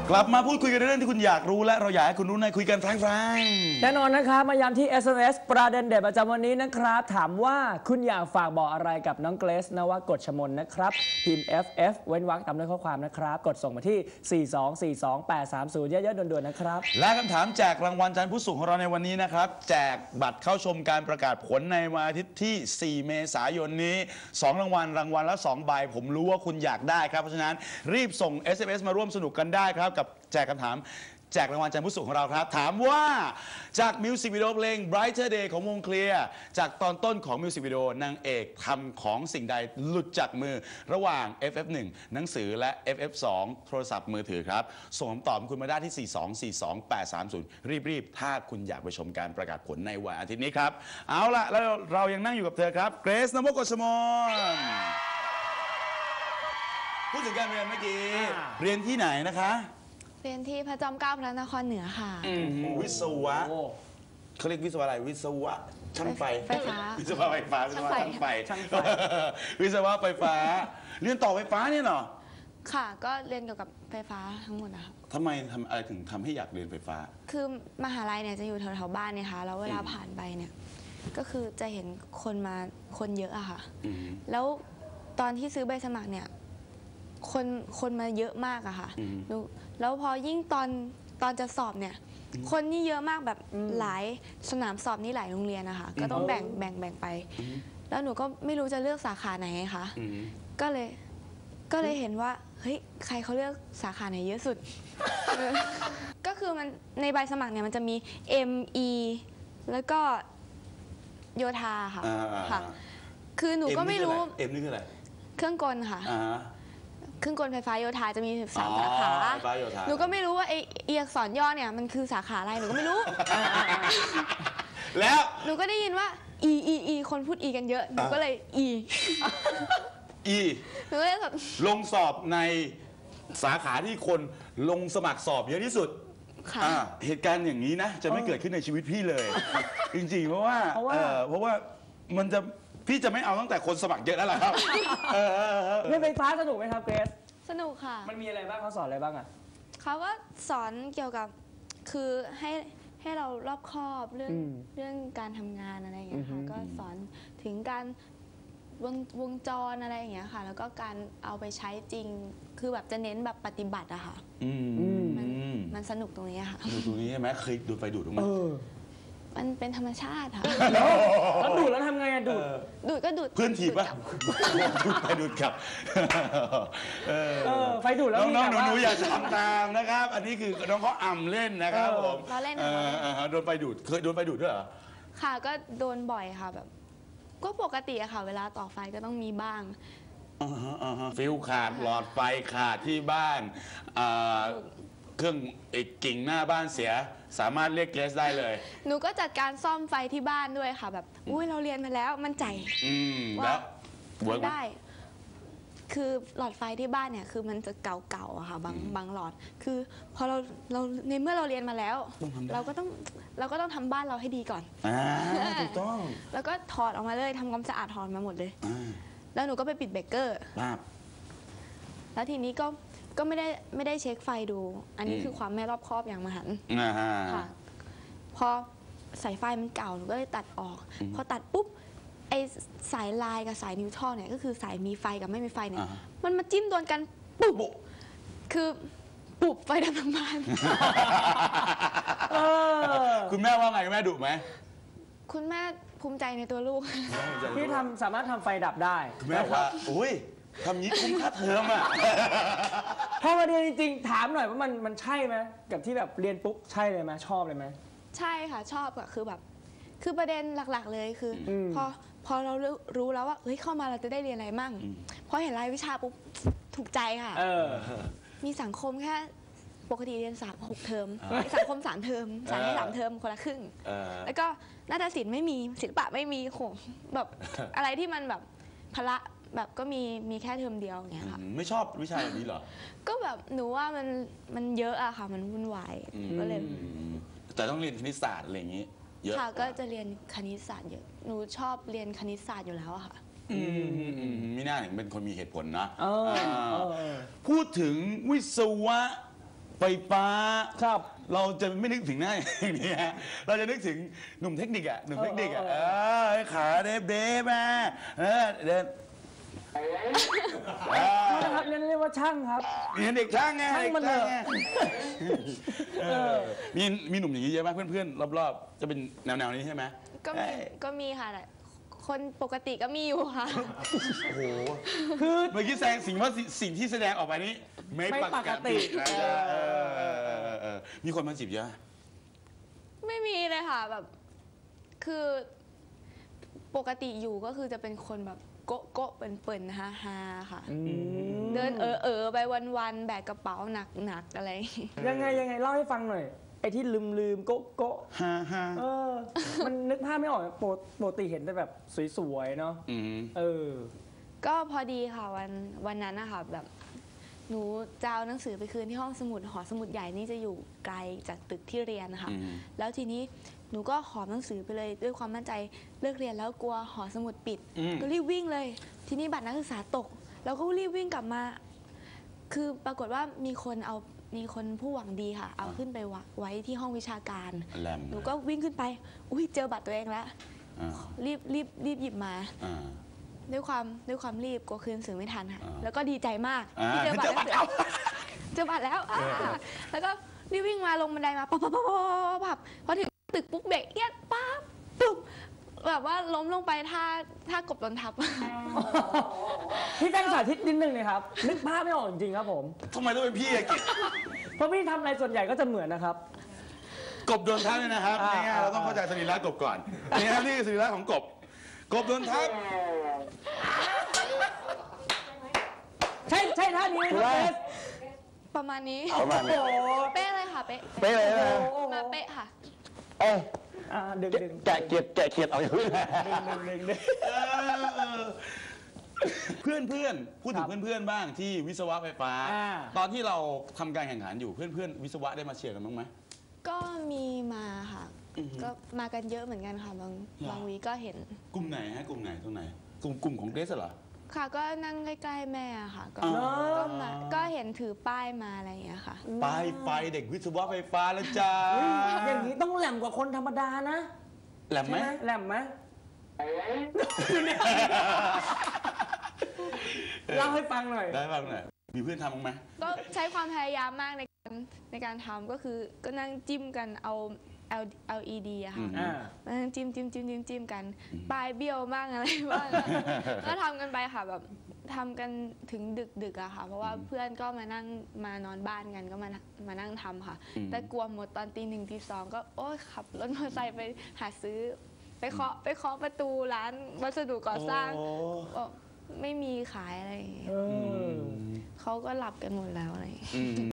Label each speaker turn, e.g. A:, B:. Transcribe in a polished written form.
A: กลับมาพูดคุยกันเรื่องที่คุณอยากรู้และเราอยากให้คุณรู้ในคุยกันแฟรงๆ
B: แน่นอนนะครับมายามที่ SMS ประเด็นเด็ดประจำวันนี้นะครับถามว่าคุณอยากฝากบอกอะไรกับน้องเกรซนวกฎชมนนะครับพิมพ์ FF เว้นวรรคตามด้วยข้อความนะครับกดส่งมาที่ 4242830 เยอะๆด่วนๆนะครับ
A: และคำถามแจกรางวัลจันทร์ผู้สูงของเราในวันนี้นะครับแจกบัตรเข้าชมการประกาศผลในวันอาทิตย์ที่ 4 เมษายนนี้2รางวัลละ2 ใบผมรู้ว่าคุณอยากได้ครับเพราะฉะนั้นรีบส่ง SMS มาร่วมสนุกกันได้ครับกับแจกคำถามแจกรางวัลจันทร์ผู้สูงของเราครับถามว่าจากมิวสิกวิดีโอเพลง Brighter Day ของวงเคลียร์จากตอนต้นของมิวสิกวิดีโอนางเอกทำของสิ่งใดหลุดจากมือระหว่าง FF1 หนังสือและ FF2 โทรศัพท์มือถือครับส่งคำตอบคุณมาได้ที่ 4242830 รีบๆถ้าคุณอยากไปชมการประกาศผลในวันอาทิตย์นี้ครับเอาล่ะแล้วเรายังนั่งอยู่กับเธอครับเกรซ นวกฎชมนพูดถึงการเรียนเมื่อกี้เรียนที่ไหนนะคะ
C: เรียนที่พระจอมเกล้าพระนครเหนือค่ะ
A: วิศวะเขาเรียกวิศวะอะไรวิศวะช่างไฟ
C: ไฟฟ้า
A: วิศวะไฟฟ้าช่างไฟวิศวะไฟฟ้าเรียนต่อไฟฟ้าเนี่ยเหรอ
C: ค่ะก็เรียนเกี่ยวกับไฟฟ้าทั้งหมดนะคะ
A: ทำไมทำอะไรถึงทำให้อยากเรียนไฟฟ้า
C: คือมหาลัยเนี่ยจะอยู่แถวๆบ้านเนี่ยค่ะแล้วเวลาผ่านไปเนี่ยก็คือจะเห็นคนเยอะอะค่ะแล้วตอนที่ซื้อใบสมัครเนี่ยคนมาเยอะมากอะค่ะแล้วพอยิ่งตอนจะสอบเนี่ยคนนี่เยอะมากแบบหลายสนามสอบนี่หลายโรงเรียนนะคะก็ต้องแบ่งไปแล้วหนูก็ไม่รู้จะเลือกสาขาไหนคะก็เลยเห็นว่าเฮ้ยใครเขาเลือกสาขาไหนเยอะสุด ก็คือมันในใบสมัครเนี่ยมันจะมี ME แล้วก็โยธาค่ะคือหนูก็ไม่รู้
A: M นี่คืออะไร
C: เครื่องกลค่ะเครื่องกลไฟฟ้าโยธาจะมี13 สาขาหนูก็ไม่รู้ว่าไอ้อักษรย่อเนี่ยมันคือสาขาอะไรหนูก็ไม่รู้
A: แล้ว
C: หนูก็ได้ยินว่า E คนพูด E กันเยอะหนูก็เลย E หนูก็เลย
A: ลงสอบในสาขาที่คนลงสมัครสอบเยอะที่สุดเหตุการณ์อย่างนี้นะจะไม่เกิดขึ้นในชีวิตพี่เลยจริงๆเพราะว่ามันจะพี่จะไม่เอาตั้งแต่คนสมัครเยอะแล้วล่ะครับ
B: เรียนไฟฟ้าสนุกไหมครับเกรซ
C: สนุกค่ะ
B: มันมีอะไรบ้างเขาสอนอะไรบ้างอ่ะ
C: เขาก็สอนเกี่ยวกับคือให้เรารอบคอบเรื่องการทำงานอะไรอย่างเงี้ยค่ะก็สอนถึงการวงจรอะไรอย่างเงี้ยค่ะแล้วก็การเอาไปใช้จริงคือแบบจะเน้นแบบปฏิบัติอะค่ะมันสนุกตรงนี้ค่ะ
A: ตรงนี้ใช่ไหมเคยดูดไฟดูดตรงนี้
C: มันเป็นธรรมชาติค่ะ
B: แล้วดูดแล้วทำไงอะ
C: ดูดก็ดูด
A: เพื่อนถีบป่ะดูดไปดูดกลับ
B: ไฟดูดแล้ว
A: น้องๆหนูอย่าทำตามนะครับอันนี้คือน้องเขาอ่ำเล่นนะครับผม
C: เราเล่น
A: โดนไฟดูดเคยโดนไฟดูดด้วยเหรอ
C: ค่ะก็โดนบ่อยค่ะแบบก็ปกติอะค่ะเวลาต่อไฟก็ต้องมีบ้าง
A: ฟิวขาดหลอดไฟขาดที่บ้านเครื่องกิ่งหน้าบ้านเสียสามารถเรียกเกรซได้เลย
C: หนูก็จัดการซ่อมไฟที่บ้านด้วยค่ะแบบอุ้ยเราเรียนมาแล้วมั่นใจ
A: แล้ว
C: ได้คือหลอดไฟที่บ้านเนี่ยคือมันจะเก่าๆอะค่ะบางหลอดคือพอเราในเมื่อเราเรียนมาแล้วเราก็ต้องทำบ้านเราให้ดีก่อน
A: ถูกต้อง
C: แล้วก็ถอดออกมาเลยทำความสะอาดถอดมาหมดเลยแล้วหนูก็ไปปิดเบรกเกอร์แล้วทีนี้ก็ไม่ได้เช็คไฟดูอันนี้คือความไม่รอบคอบอย่างมหันต์ค่ะพอสายไฟมันเก่าหนูก็เลยตัดออกพอตัดปุ๊บไอสายลายกับสายนิวทรัลเนี่ยก็คือสายมีไฟกับไม่มีไฟเนี่ยมันมาจิ้มโดนกันปุ๊บคือปุ๊บไฟดับทั้งบ้าน
A: คุณแม่ว่าไงคุณแม่ดุไหม
C: คุณแม่ภูมิใจในตัวลูก
B: ที่สามารถทำไฟดับได้
A: คุณแม่ว่าอุ้ยทำนี้คุ้มค่าเทอมอ่ะ
B: พอมาเรียนจริงๆถามหน่อยว่ามันใช่ไหมกับที่แบบเรียนปุ๊บใช่เลยไหมชอบเลยไหม
C: ใช่ค่ะชอบอะคือแบบคือประเด็นหลักๆเลยคือพอเรารู้แล้วว่าเฮ้ยเข้ามาเราจะได้เรียนอะไรมั่งพอเห็นรายวิชาปุ๊บถูกใจค่ะมีสังคมแค่ปกติเรียน6 เทอมสังคม3 เทอมสายให้3 เทอมคนละครึ่งแล้วก็นาฏศิลป์ไม่มีศิลปะไม่มีโหแบบอะไรที่มันแบบพละแบบก็มีแค่เทอมเดียวอย่างเงี้ยค่ะ
A: ไม่ชอบวิชาแบบนี้เหรอ
C: ก็แบบหนูว่ามันเยอะอะค่ะมันวุ่นวายก็เลย
A: แต่ต้องเรียนคณิตศาสตร์อะไรอย่างงี้เยอะ
C: ค่ะก็จะเรียนคณิตศาสตร์เยอะหนูชอบเรียนคณิตศาสตร์อยู่แล้วอะค่ะ
A: ไม่น่าถึงเป็นคนมีเหตุผลนะพูดถึงวิศวะไฟฟ้า
B: ครับ
A: เราจะไม่นึกถึงหน้าอย่างนี้ฮะเราจะนึกถึงหนุ่มเทคนิคอะหนุ่มเทคนิคอะขาเดฟมาเดิน
B: นะครับเรียกว่าช่างครับ
A: เรียนเด็กช่างไง
B: ช่างมันเถอะ
A: มีหนุ่มอย่างนี้เยอะไหมเพื่อนๆรอบๆจะเป็นแนวนี้ใช่ไหม
C: ก็มีค่ะแต่คนปกติก็มีอยู่ค่ะ
A: โอ้โหคือเมื่อกี้แสดงสิ่งที่แสดงออกไปนี้ไม่ปกตินะมีคนมาจีบเยอะ
C: ไม่มีเลยค่ะแบบคือปกติอยู่ก็คือจะเป็นคนแบบโก๊ะโก๊ะเปิ่นๆฮาๆค่ะ เดินไปวันๆแบกกระเป๋าหนักๆอะไร
B: ยังไงเล่าให้ฟังหน่อยไอ้ที่ลืมโกะ
A: ฮ่า
B: มันนึกภาพไม่ออกปกติเห็นแต่แบบสวยๆเนาะ
C: ก็พอดีค่ะวันนั้นนะคะแบบหนูจะเอาหนังสือไปคืนที่ห้องสมุดหอสมุดใหญ่นี่จะอยู่ไกลจากตึกที่เรียนนะคะแล้วทีนี้หนูก็หอบหนังสือไปเลยด้วยความมั่นใจเลิกเรียนแล้วกลัวหอสมุดปิดก็รีบวิ่งเลยทีนี้บัตรนักศึกษาตกแล้วก็รีบวิ่งกลับมาคือปรากฏว่ามีคนผู้หวังดีค่ะเอาขึ้นไปไว้ที่ห้องวิชาการหนูก็วิ่งขึ้นไปอุ้ยเจอบัตรตัวเองแล้วรีบหยิบมาด้วยความรีบกลัวคืนหนังสือไม่ทันค่ะแล้วก็ดีใจมากที่เจอบัตรแล้วเจอบัตรแล้วแล้วก็รีบวิ่งมาลงบันไดมาปั๊บพอถึงตึกปุ๊บเบรกเอียดปั๊บปุ๊บแบบว่าล้มลงไปท่ากบโดนทับ
B: พี่แป้งสาธิตนิดนึงเลยครับนึกภาพไม่ออกจริงๆครับผม
A: ทำไมต้องเป็นพี่อะกิจ
B: เพราะพี่ทำอะไรส่วนใหญ่ก็จะเหมือนนะครับ
A: กบโดนทับเนี่ยนะครับง่ายๆเราต้องเข้าใจสรีระกบก่อนนี่ครับนี่คือสรีระของกบโดนทับ
B: ใช่ท่านี้ไหมครับเบส
C: ประมาณนี้
A: ประมาณนี้
C: เป๊ะเลยค่ะเป๊ะ
A: เป๊ะเลยนะ
C: มาเป๊ะค่ะ
B: ดึง
A: แกะเกียดเอาอย่างนี้ เพื่อนพูดถึงเพื่อนบ้างที่วิศวะไฟฟ้า ตอนที่เราทำการแข่งขันอยู่เพื่อนวิศวะได้มาเชียร์กันบ้างไหม
C: ก็มีมาค่ะก็มากันเยอะเหมือนกันค่ะบางวีก็เห็น
A: กลุ่มไหนฮะกลุ่มไหนตรงไหนกลุ่มของเดสเหรอ
C: ค่ะก็นั่งใกล้ๆแม่ค่ะก็เห็นถือป้ายมาอะไรอย่างเงี้ยค่ะ
A: ป้ายไฟเด็กวิศวะไฟฟ้าแล้วจ้า
B: อย่างนี้ต้องแหลมกว่าคนธรรมดานะ
A: แหลมไหม
B: แหลมไหมเล่าให้ฟังหน่อย
A: ได้ฟังหน่อยมีเพื่อนทำบ้างไหม
C: ก็ใช้ความพยายามมากในการทำก็คือก็นั่งจิ้มกันเอา LED อะค่ะนั่งจิ้มกันปลายเบี้ยวบ้างอะไรบ้างก็ทำกันไปค่ะแบบทำกันถึงดึกอะค่ะเพราะว่าเพื่อนก็มานอนบ้านกันก็มานั่งทำค่ะแต่กลัวหมดตอนตี 1 ตี 2ก็โอ๊ยขับรถมอเตอร์ไซค์ไปหาซื้อไปเคาะประตูร้านวัสดุก่อสร้างไม่มีขายอะไรอย่างเงี้ยเขาก็หลับกันหมดแล้วอะไรอย่างเงี้ย